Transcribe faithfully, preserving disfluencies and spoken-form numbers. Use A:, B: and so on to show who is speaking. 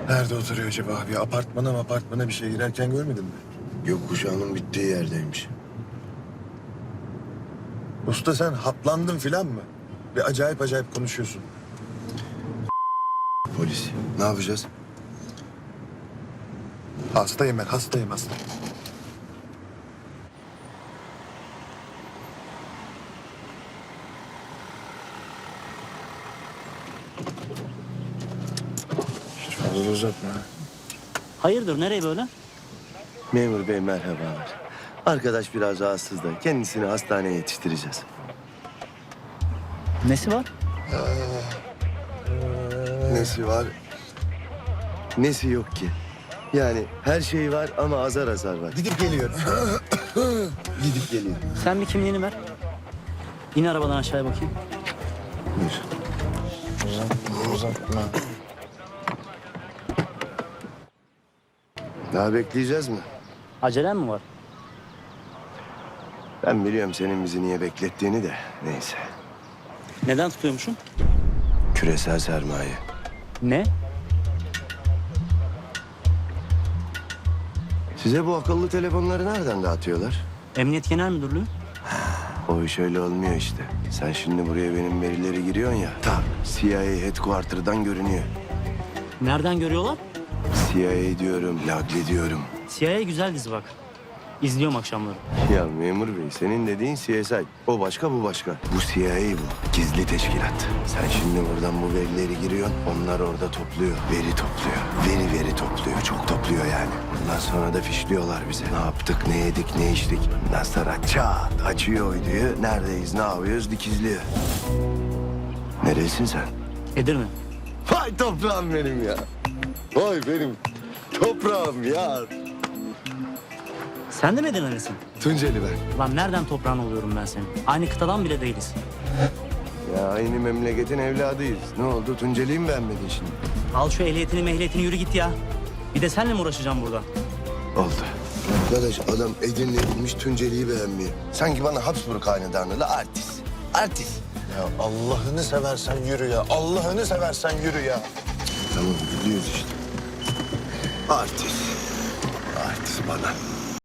A: Nerede oturuyor acaba abi? Apartmana mı apartmana bir şey girerken görmedin mi?
B: Gökkuşağının bittiği yerdeymiş.
A: Usta sen haplandın filan mı? Bir acayip acayip konuşuyorsun.
B: Polis. Ne yapacağız?
A: Hastayım ben, hastayım hasta. Hiç fazla uzatma.
C: Hayırdır, nereye böyle?
B: Memur bey merhabalar. Arkadaş biraz rahatsız da kendisini hastaneye yetiştireceğiz.
C: Nesi var?
B: Nesi var? Nesi yok ki? Yani her şey var ama azar azar var.
A: Gidip geliyor.
B: Gidip geliyor.
C: Sen bir kimliğini ver. İn arabadan aşağıya bakayım.
B: Buyur.
A: Uzatma, uzatma.
B: Daha bekleyeceğiz mi?
C: Acelen mi var?
B: Ben biliyorum senin bizi niye beklettiğini de neyse.
C: Neden tutuyormuşum?
B: Küresel sermaye.
C: Ne?
B: Size bu akıllı telefonları nereden dağıtıyorlar?
C: Emniyet Genel Müdürlüğü.
B: O iş öyle olmuyor işte. Sen şimdi buraya benim verileri giriyorsun ya. Ta C I A Headquarter'dan görünüyor.
C: Nereden görüyorlar?
B: C I A diyorum, Lagli diyorum.
C: C I A güzel dizi bak. İzliyorum akşamları.
B: Ya memur bey senin dediğin C S I. O başka bu başka. Bu C I A bu. Gizli teşkilat. Sen şimdi buradan bu verileri giriyorsun. Onlar orada topluyor. Veri topluyor. Veri veri topluyor. Çok topluyor yani. Ondan sonra da fişliyorlar bize. Ne yaptık, ne yedik, ne içtik. Ondan sonra çat açıyor uyduyu. Neredeyiz, ne yapıyoruz dikizliyor. Neresin sen?
C: Edirne.
B: Vay toprağım benim ya. Vay benim toprağım ya.
C: Sen de mi Edirne'lisin?
B: Tunceli ben.
C: Lan nereden toprağın oluyorum ben senin? Aynı kıtadan bile değiliz.
B: Ya aynı memleketin evladıyız. Ne oldu? Tunceli'yi mi beğenmedin şimdi?
C: Al şu ehliyetini mehliyetini yürü git ya. Bir de senle mi uğraşacağım burada?
B: Oldu. Arkadaş adam Edirne'ymiş Tunceli'yi beğenmiyor. Sanki bana Habsburg hanedanlığı artist. Artist.
A: Ya Allah'ını seversen yürü ya. Allah'ını seversen yürü ya.
B: Tamam gidiyoruz işte. Artist. Artist bana.